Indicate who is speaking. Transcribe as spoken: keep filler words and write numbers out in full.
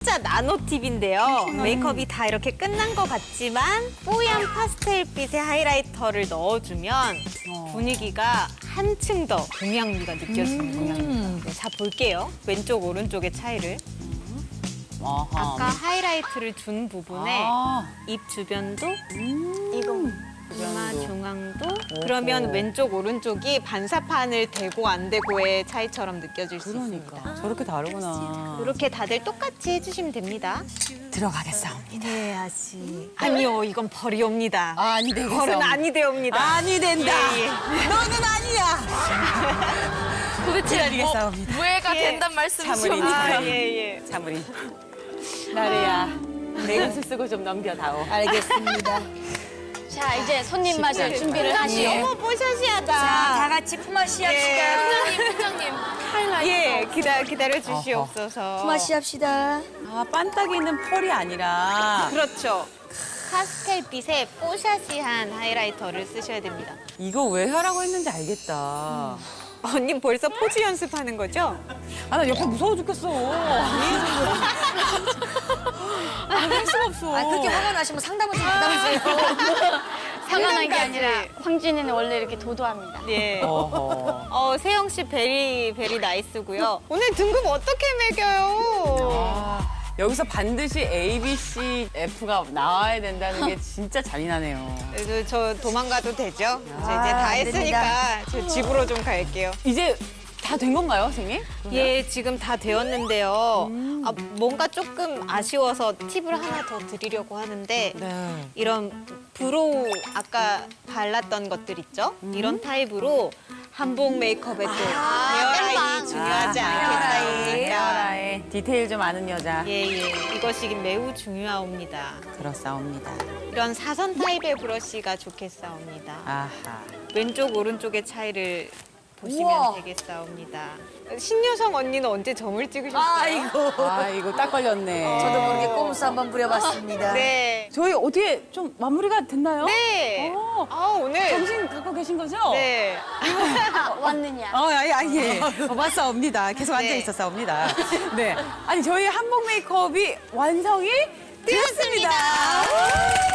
Speaker 1: 진짜 나노 팁인데요. 메이크업이 다 이렇게 끝난 것 같지만 뽀얀 파스텔빛의 하이라이터를 넣어주면 분위기가 한층 더 동양미가 느껴지는 거예요. 네, 자, 볼게요. 왼쪽, 오른쪽의 차이를.
Speaker 2: 아하.
Speaker 1: 아까 하이라이트를 준 부분에
Speaker 2: 아.
Speaker 1: 입 주변도
Speaker 3: 이거.
Speaker 1: 이마
Speaker 2: 주변도.
Speaker 1: 중앙도 그러면 왼쪽 오른쪽이 반사판을 대고 안 대고의 차이처럼 느껴질 수
Speaker 2: 그러니까
Speaker 1: 있습니다.
Speaker 2: 저렇게 다르구나.
Speaker 1: 이렇게 다들 똑같이 해주시면 됩니다.
Speaker 2: 들어가겠사옵니다.
Speaker 1: 네, 아씨. 아니요, 이건 벌이옵니다.
Speaker 2: 아니 되겠어.
Speaker 1: 벌은 아니 되옵니다.
Speaker 2: 아니 된다.
Speaker 1: 예, 예.
Speaker 2: 너는 아니야.
Speaker 3: 도대체
Speaker 2: 기다리겠사옵니다.
Speaker 3: 무해가
Speaker 1: 예.
Speaker 3: 된단 말씀이시오?
Speaker 1: 아, 예, 예.
Speaker 2: 자무리. 나래야. 내 옷을 쓰고 좀 넘겨다오.
Speaker 4: 알겠습니다.
Speaker 3: 자, 이제 손님 맞을 준비를 하시오.
Speaker 1: 어머, 뽀샤시하다.
Speaker 4: 자, 다 같이 품앗이 합시다.
Speaker 3: 팀장님, 팀장님. 하이라이트.
Speaker 1: 예, 기다, 기다려 주시옵소서.
Speaker 4: 품앗이 합시다.
Speaker 2: 아, 빤딱이는 펄이 아니라
Speaker 1: 그렇죠. 파스텔빛의 뽀샤시한 하이라이터를 쓰셔야 됩니다.
Speaker 2: 이거 왜 하라고 했는지 알겠다.
Speaker 1: 언니 벌써 포즈 연습하는 거죠?
Speaker 2: 아, 나 옆에 무서워 죽겠어. 할 수가 없어.
Speaker 4: 아, 그렇게 화가 나시면 상담을 좀 부담주세요.
Speaker 3: 상관한 게
Speaker 1: 상관까지.
Speaker 3: 아니라 황진이는 원래 이렇게 도도합니다.
Speaker 1: 예.
Speaker 2: 어허.
Speaker 1: 어, 세영 씨 베리 베리 나이스고요. 오늘 등급 어떻게 매겨요?
Speaker 2: 아, 여기서 반드시 A, B, C, F가 나와야 된다는 게 진짜 잔인하네요.
Speaker 1: 그래도 저 도망가도 되죠? 저 이제
Speaker 4: 아,
Speaker 1: 다
Speaker 4: 안
Speaker 1: 했으니까 저 집으로 좀 갈게요.
Speaker 2: 이제 다 된 건가요, 선생님?
Speaker 1: 예, 지금 다 되었는데요. 아, 뭔가 조금 아쉬워서 팁을 하나 더 드리려고 하는데
Speaker 2: 네.
Speaker 1: 이런 브로우 아까 발랐던 것들 있죠? 이런 타입으로 한복 메이크업에도 헤어라인이 중요하지 않겠습니까?
Speaker 2: 헤어라인. 디테일 좀 아는 여자.
Speaker 1: 예, 예. 이것이 매우 중요합니다.
Speaker 2: 그렇사옵니다.
Speaker 1: 이런 사선 타입의 브러쉬가 좋겠사옵니다.
Speaker 2: 아하.
Speaker 1: 왼쪽, 오른쪽의 차이를 보시면
Speaker 4: 우와.
Speaker 1: 되겠사옵니다. 신여성 언니는 언제 점을 찍으셨어요?
Speaker 4: 아이고.
Speaker 2: 아, 이거 딱 걸렸네.
Speaker 4: 저도 모르게 꼼수 한번 부려봤습니다.
Speaker 1: 네.
Speaker 2: 저희 어떻게 좀 마무리가 됐나요?
Speaker 1: 네.
Speaker 2: 오.
Speaker 1: 아, 오늘.
Speaker 2: 정신 갖고 계신 거죠?
Speaker 1: 네.
Speaker 3: 왔느냐?
Speaker 2: 어, 아예, 아예. 어, 맞사옵니다. 계속 앉아
Speaker 1: 네.
Speaker 2: 있었사옵니다. 네. 아니, 저희 한복 메이크업이 완성이 되었습니다.